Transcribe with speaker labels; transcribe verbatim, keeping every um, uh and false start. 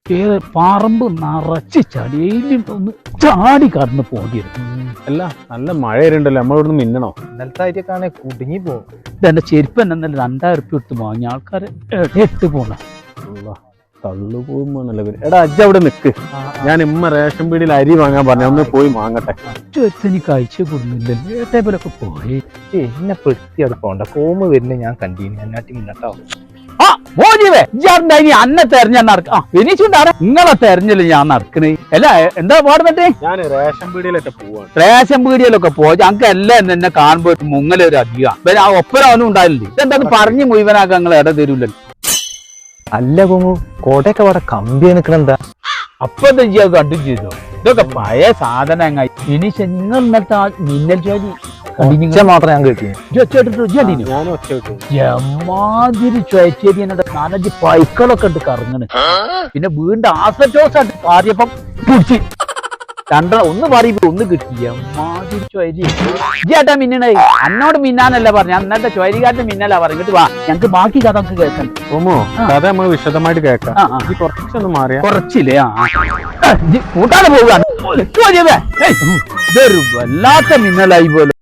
Speaker 1: പറമ്പ് നിറച്ച് ചടിയിലും ഒന്ന് ചാടി കടന്ന് പോകരുത്.
Speaker 2: അല്ല നല്ല മഴ വരുന്നുണ്ടല്ലോ, നമ്മളിവിടുന്ന് മിന്നണോ?
Speaker 3: ഇന്നലത്തെ ആയിട്ടൊക്കെ കുടുങ്ങി പോകും.
Speaker 1: ഇതെന്റെ ചെരുപ്പ് തന്നെ ഇന്നലെ രണ്ടായിരം ഉറുപ്പ്യ എടുത്ത് വാങ്ങിയ ആൾക്കാര് എട്ട് പോണ
Speaker 2: തള്ളു പോകുമ്പോന്നല്ലേ പേര്. എടാ അജ്ജ അവിടെ നിക്ക്, ഞാൻ ഇമ്മ റേഷൻ പീടിയിൽ അരി വാങ്ങാൻ പറഞ്ഞു, ഒന്ന് പോയി വാങ്ങട്ടെ.
Speaker 1: എനിക്ക് അയച്ചു കൊടുക്കുന്നില്ലല്ലോ, ഏട്ടേപോലൊക്കെ പോയി
Speaker 3: എന്നെ പെടുത്തി അവിടെ പോണ്ട. കോമ് വരുന്നത് ഞാൻ കണ്ടീനി, എന്നാട്ടി മുന്നട്ടോ.
Speaker 1: ആ മോജിവേ ഇനി അന്നെ തെരഞ്ഞ നടക്ക ആ വിനീച്ചുണ്ടാറ് നിങ്ങളെ തെരഞ്ഞല്ലേ ഞാൻ നടക്കണേ. അല്ല എന്താ പാടുന്നേ?
Speaker 2: ഞാൻ റേഷൻ പീടിയിലൊക്കെ പോവാണ്.
Speaker 1: റേഷൻ പീടിയയിലൊക്കെ പോയി ഞങ്ങൾക്ക് എല്ലാം എന്നെ കാണുമ്പോ മുങ്ങലൊരു അധികം ആ ഒപ്പരാവനും ഉണ്ടായില്ലേ. ഇതെന്താ പറഞ്ഞു മുഴുവനാക്കാൻ നിങ്ങൾ ഇട തരൂല്ലല്ലോ.
Speaker 3: അല്ല കോമു, കോട്ടയൊക്കെ അവിടെ കമ്പി നിക്കണെന്താ?
Speaker 1: അപ്പൊ എന്താ ചെയ്യാ കണ്ടു ചെയ്തോ? ഇതൊക്കെ പഴയ സാധനങ്ങൾ. ഇനി നിങ്ങൾ ഇന്നലത്തെ ആ മിന്നൽ ജോലി
Speaker 3: മാത്രം ഞാൻ കേട്ടി.
Speaker 2: ഞാനും ഒച്ച കിട്ടും.
Speaker 1: എമാതിരി ചോയച്ചേരി എന്നോട് നാലഞ്ച് പൈക്കളൊക്കെ ഉണ്ട് കറങ്ങണ്. പിന്നെ വീണ്ടും ആസറ്റോസായിട്ട് പാറിയപ്പം പിടിച്ച് രണ്ട ഒന്ന് പറയുമ്പോ ഒന്ന് കിട്ടി. എമാതിരി ചോയരി ചേട്ടാ മിന്നണേ. എന്നോട് മിന്നാനല്ല പറഞ്ഞ, അന്നത്തെ ചോയരിക്കാരന്റെ മിന്നലാ പറഞ്ഞിട്ട് വാ ഞങ്ങക്ക് ബാക്കി കഥ നമുക്ക് കേൾക്കണ്ട.
Speaker 2: ഓമോ കഥ നമ്മൾ വിശദമായിട്ട് കേൾക്കാം. കുറച്ചൊന്ന് മാറിയാ
Speaker 1: കുറച്ചില്ലേ? ആ കൂട്ടാതെ പോവുക. ഇതൊരു വല്ലാത്ത മിന്നലായി പോലെ.